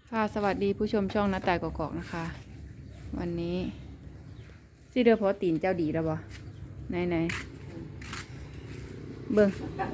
ค่ะสวัสดีผู้ชมช่องน้าแต่กอกๆนะคะ วันนี้สิเดือพอตีนเจ้าดีแล้วบ่ไหนเบิ่ง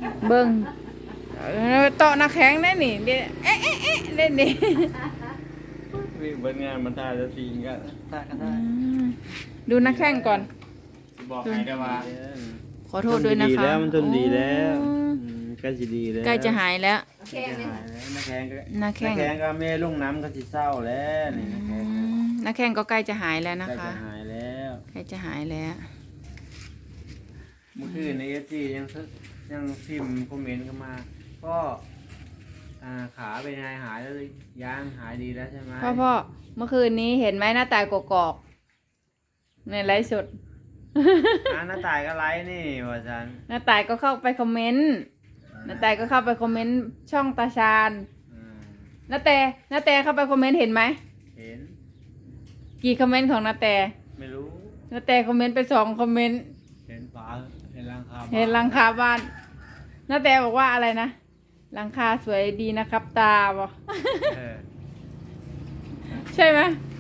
เตาะหน้าแข็งได้นี่เดี๋ยวเอ๊ะเล่นดิวิ่งเบิ้งงานมันท่าจะตีนก็ท่าก็ได้ดูหน้าแข้งก่อนบอกให้ได้ว่าขอโทษด้วยนะคะมันทนดีแล้วใกล้จะดีแล้วใกล้จะหายแล้วใกล้จะหายแล้วหน้าแข้งก็หน้าแข้งก็แม่ลุงน้ำก็สิเศร้าแล้วนี่หน้าแข้งหน้าแข้งก็ใกล้จะหายแล้วนะใกล้คะจะหายแล้วใกล้จะหายแล้วเมื่อคืนในFGยังพิมพ์คอมเมนต์เข้ามาก็ขาเป็นไงหายแล้วยังหายดีแล้วใช่ไหมพ่อเมื่อคืนนี้เห็นไหมหน้าตายกอกๆในไลฟ์สดหน้าตายก็ไลฟ์นี่ว่าจันน้าตายก็เข้าไปคอมเมนต์น้าตายก็เข้าไปคอมเมนต์ช่องตาชาญอืมน้าแต่เข้าไปคอมเมนต์เห็นไหมเห็นกี่คอมเมนต์ของน้าแต่ไม่รู้น้าแต่คอมเมนต์ไป2 คอมเมนต์เห็นฝาเห็นหลังคาเห็นหลังคาบ้านน้าแต่บอกว่าอะไรนะหลังคาสวยดีนะครับตาบอกเออใช่ไหม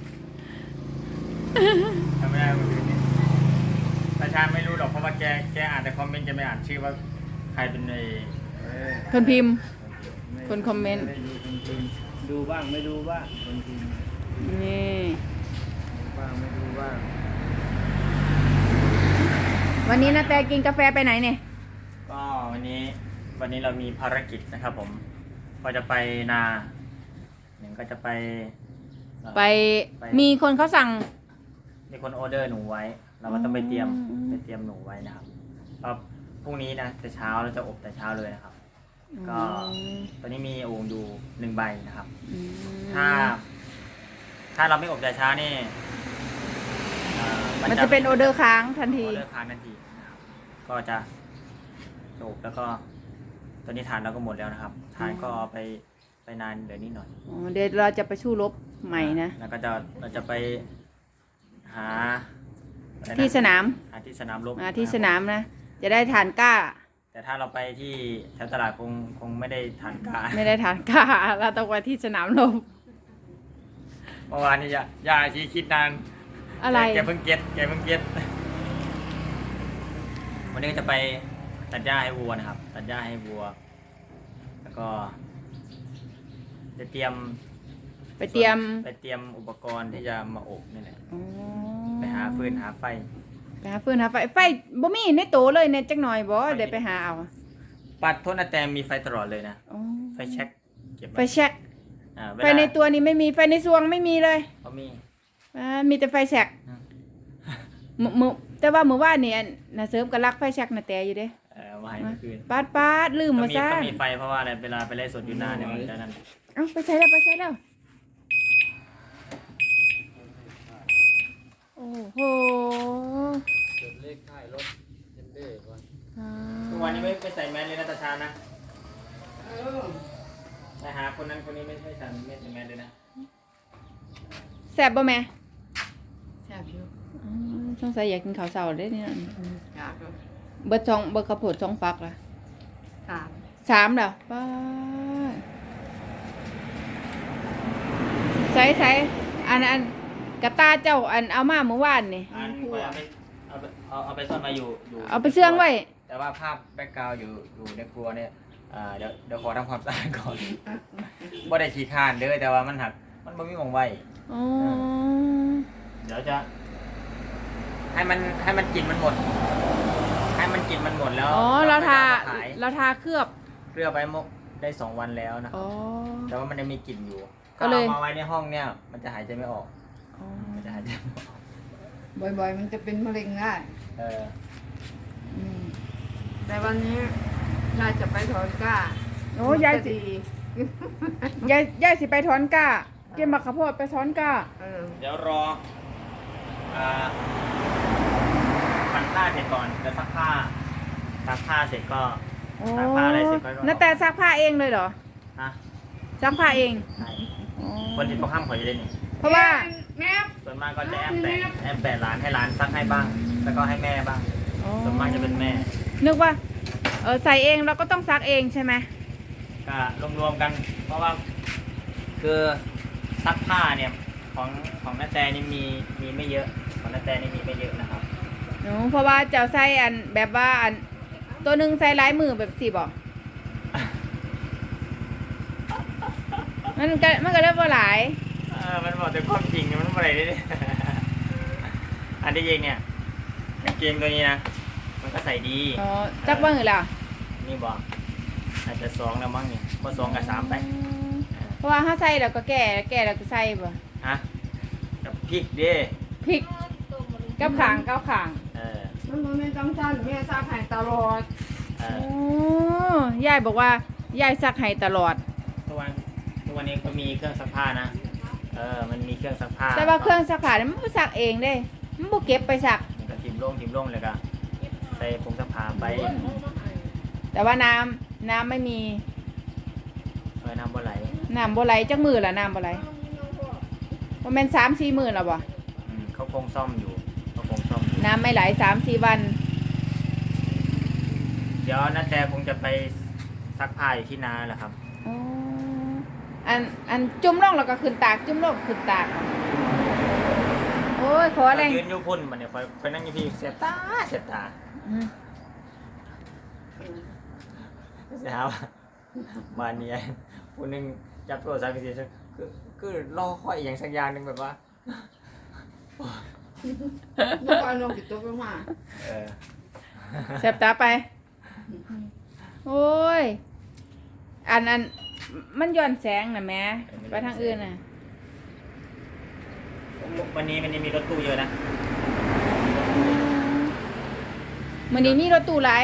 ทำไม่ได้เมื่อคืนนี้ประชาไม่รู้หรอกเพราะว่าแกอ่านแต่คอมเมนต์แกไม่อ่านชื่อว่าใครเป็นในเออคนพิมพ์ไม่คนคอมเมนต์ไได้ดูคนพิมพ์ดูบ้างไม่ดูบ้างคนพิมพ์นี่ดูบ้างไม่ดูบ้างวันนี้น้าแต่กินกาแฟไปไหนเนี่ยก็วันนี้เรามีภารกิจนะครับผมก็จะไปนาหนึ่งก็จะไปไปมีคนเขาสั่งมีคนออเดอร์หนูไว้ เราก็ต้องไปเตรียมอืมหนูไว้นะครับก็พรุ่งนี้นะแต่เช้าเราจะอบแต่เช้าเลยนะครับ ก็ตอนนี้มีโอ่งดู1 ใบนะครับอืมถ้าเราไม่อบแต่เช้านี่มันจะเป็นออเดอร์ค้างทันอทีอเดอร์ค้างทันทีนะครับก็จะอบแล้วก็ตอนนี้ทานเราก็หมดแล้วนะครับทานก็เอาไปนานเดี๋ยวนี้หน่อยอ๋อเดี๋ยวเราจะไปสู้รบใหม่นะแล้วก็เราจะไปหาอะไรนะที่สนามหาที่สนามรบที่สนามนะ จะได้ฐานกล้าแต่ถ้าเราไปที่แถวตลาดคงไม่ได้ทานกาไม่ได้ฐานกล้า เราต้องไปที่สนามรบเมื่อวานนี้ยาชีคิดนานอะไรแกเพิ่งเก็ตวันนี้ก็จะไปตัดหญ้าให้วัวนะครับ ตัดหญ้าให้วัว แล้วก็จะเตรียมไปเตรียมอุปกรณ์ที่จะมาอบนี่แหละอ๋อไปหาฟืนหาไฟไปหาฟืนหาไฟไฟบ่มีในโตเลยเนี่ยจักหน่อยบ่เดี๋ยวไปหาเอาปัดโทษนะแต่มีไฟตลอดเลยนะอ๋อไฟแช็กเก็บไฟแช็กเวไฟลาในตัวนี้ไม่มีไฟในซวงไม่มีเลยเขามีมีแต่ไฟแช็กอืมมื้อแต่ว่ามื้อวานนี่น่ะเสริมก็รักไฟแช็กน่ะแต่อยู่เด้มาให้เมื่อคืนปาดลืมมาซะต้องมีไฟเพราะว่าอะไรเวลาไปไล่สดอยู่นานเนี่ยมันจะนั่นเอ้าไปใส่แล้วโอ้โหจดเลขท้ายรถเทนเด้ก่อนทุกวันนี้ไม่ใส่แมสเลยนะตาชานะไปหาคนนั้นคนนี้ไม่ใส่แมสเลยนะแซ่บบ่แม่แซ่บอยู่สงสัยอยากกินข้าวเช้าเด้เนี่ยอยากอยู่เบิดข้าวโพด2 ฟักล่ะสาม 3แล้วป้าดใส่อันกระตาเจ้าอันเอามาเมื่อวานนี่อันก็เอาไปซ่อนมาอยู่เอาไปเชื่องไว้แต่ว่าภาพแบ็กกราวด์อยู่ในครัวเนี่ยเดี๋ยวขอทำความสะอาดก่อนบ่ได้ขี้ข้านเด้อแต่ว่ามันหักมันบ่มีหม่องไว้อ๋อเดี๋ยวจะให้มันกลิ่นมันหมด ให้มันกลิ่นมันหมดแล้วอ๋อเราทาขายเคลือบเพื่อไปมกได้2 วันแล้วนะอ๋อแต่ว่ามันยังมีกลิ่นอยู่ก็เลยอามาไว้ในห้องเนี่ย มันจะหายใจไม่ออกอ๋อมันจะหายใจไม่ออกบ่อยๆ มันจะเป็นมะเร็งได้เอออืมแต่วันนี้น่าจะไปถอนกล้าโอ้ยายสิ ยายสิไปถอนกล้าเก็บมะขามโพดไปถอนกล้าเดี๋ยวรอปั่นผ้าเสร็จก่อนแล้วซักผ้าเสร็จก็โอ้ซักผ้าอะไรเสร็จก็นาแต่ซักผ้าเองเลยเหรอนะซักผ้าเองใช่อ๋อคนที่เขาห้ามขอจะได้นี่เพราะว่าแม่ส่วนมากก็จะแอบแปะร้านให้ร้านซักให้บ้าง แล้วก็ให้แม่บ้างอ๋อส่วนมากจะเป็นแม่นึกว่าใส่เองเราก็ต้องซักเองใช่ไหมก็รวมๆกัน เพราะว่าคือซักผ้าเนี่ยของนาแตนี่มีไม่เยอะของนาแตนี่มีไม่เยอะนะครับหนูเพราะว่าเจ้าใส่อันแบบว่าอันตัวหนึ่งใส่หลายมือแบบสิบอกมันก็ได้บ่หลายมันบอกแต่ความจริงเนี่ยมันอะไรได้ อันที่จริงเนี่ยกางเกงตัวนี้นะมันก็ใส่ดีอ๋อจักว่าไงล่ะนี่บอกอาจจะ2แล้วมั้งนี่พอ2กับ3ไปเพราะว่าถ้าใส่แล้วก็แก่แล้วก็ใส่บ่ฮะกับพริกดิพริกกับขางกับขางมันบ่แม่นจังซั่นแม่ซักให้ตลอดเอโอ้อยายบอกว่ายายซักให้ตลอดทุกวันนี้ก็มีเครื่องซักผ้านะมันมีเครื่องซักผ้าแต่ว่าเครื่องซักผ้านี่มันบ่ซักเองเด้มันบ่เก็บไปซักมันก็ทิมลงเลยก็ใส่ผงซักผ้าไปแต่ว่าน้ำไม่มีน้ำบ่ไหลน้ำบ่ไหลจักมือละน้ำบ่ไหลบ่แม่น3-4 มื้อแล้วบ่เขาคงซ่อมอยู่น้ำไม่ไหล3-4 วันเดี๋ยวนาแต่คงจะไปซักผ้าอยู่ที่นาแหละครับอ๋ออันจุ่มลงแล้วก็ขึ้นตากจุ่มลงขึ้นตากโอ้ยขอแรงยืนอยู่พุ่นมันเนี่ยคอยนั่งอยู่พี่เสียตาเสีย มาเนี่ยผู้หนึงจับโทรศัพท์ไปสิคือรอคอยอย่างสักอย่างหนึงแบบว่าเมื่อก่อนลงติดตกลงมาแสบตาไปโอ้ยอันมันย้อนแสงน่ะแม่ไปทางอื่นน่ะวันนี้มีรถตู้เยอะนะมื้อนี้มีรถตู้หลาย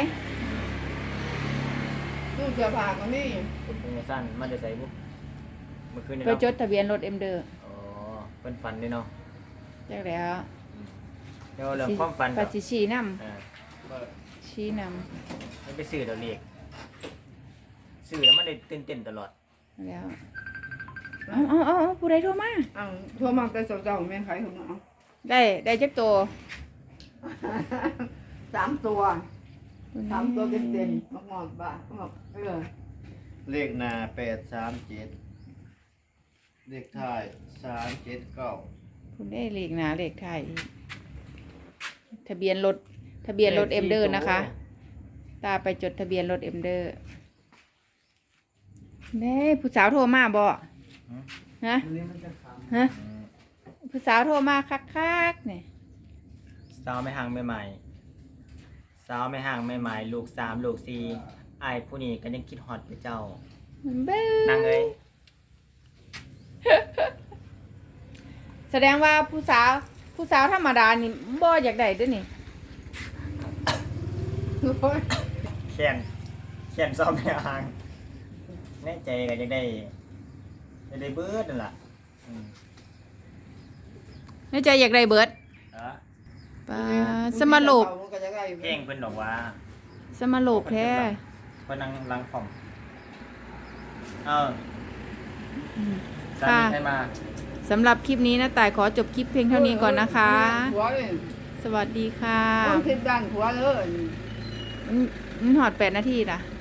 ตู้เสื้อผ้าก็มีคุณพงษ์สั้นมันจะใส่บุ๊กเมื่อคืนนี้ไปจเนาะดทะเบียนรถเอ็มเดอร์อ๋อเป็นฝันด้วยเนาะจักแล้วเดี๋ยวเรื่องความฝันปัจจิชี้นำก็ชี้นไม่ไปซื้อดอกเล็กซื้อแล้วมันได้ตื่นเต้นตลอดำแล้วเอาผู้ใดโทรมาอ้าวทั่วมาแต่เจ้าๆแม่นไผของเอาได้จักตัว 3 ตัว 3 ตัวเต็มๆหมดๆบ้าเลขหน้า837เลขท้าย379 คุณได้เลขหน้าเลขท้ายอีกทะเบียนรถเอ็มเดอร์นะคะ ตาไปจดทะเบียนรถเอ็มเดอร์แม่ผู้สาวโทรมาบ่ฮะผู้สาวโทรมาคักๆเนี่ยสาวไม่ห่างไม่ใหม่ลูก3ลูก4ไอ้ผู้นี้ก็ยังคิดฮอดอยู่เจ้าเบ้นั่งเลยแสดงว่าผู้สาวธรรมดานี่บ่อยากได้เด้วยนี่เขียนซ้อมไม่ห่างแน่ใจก็ยังได้เบิดนั่นล่ะในใจอยากได้เบิดปาสมาโลกเพลงเพิ่นบอกว่าสมาโลกแท้เพิ่นนั่งลังคอมสาค่ะมีให้มาสำหรับคลิปนี้นะต่ายขอจบคลิปเพียงเท่านี้ก่อนนะคะหัวเลยสวัสดีค่ะต้องคิดด้านหัวเลยมันหอด8 นาทีล่ะ